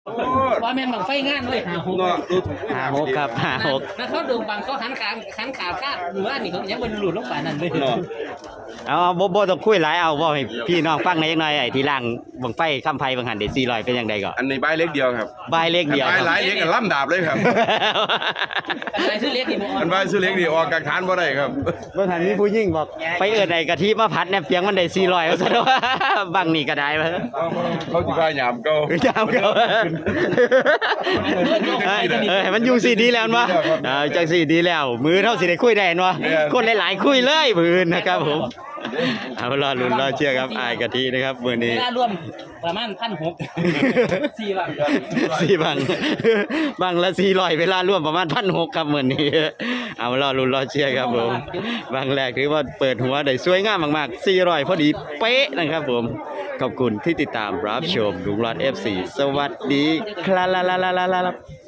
ว่าแม่นบังไฟงานเลย 56ครับ56 แล้วเขาดึงบังเขาหันขาคาดหรือว่านี่เขายังบนหลุดลงไปนั่นเลยเอาบ่ต้องคุยหลายเอาบ่ให้พี่น้องฟังหน่อยจักหน่อยไอ้ที่ล่างบังไฟคำไฟบังหันได้400เป็นจังไดก็อันนี้ใบเล็กเดียวครับบายเลขเดียวใบหลายเล็กกับล่ำดาบเลยครับอันไหนซื้อเล็กนี่บ่อันใบซื้อเล็กนี่ออกกลางทานบ่ได้ครับเมื่อหันมีผู้หญิงบอกไปเอิ้นไอ้กะทิมาผัดแนบเปียงมันได้400ว่าซั่นว่าบังนี่ก็ได้ว่าเขาสิพาหยามเก่าจามเขาให้มันอยู่สิดีแล้ววะจังสิดีแล้วมือเท่าสิได้คุยได้เนาะคนหลายๆคุยเลยมือนะครับผมเอารอลุ้นรอเชื่อครับอายกะทินะครับมื้อนี้เวลารวมประมาณ1,600 4บาท 4บังละ400เวลาร่วมประมาณ1,600ครับมื้อนี้เอารอลุ้นรอเชื่อครับผมบังแรกถือว่าเปิดหัวได้สวยงามมากๆ400พอดีเป๊ะนะครับผมขอบคุณที่ติดตามรับชมลุงรอด FC สวัสดีครับ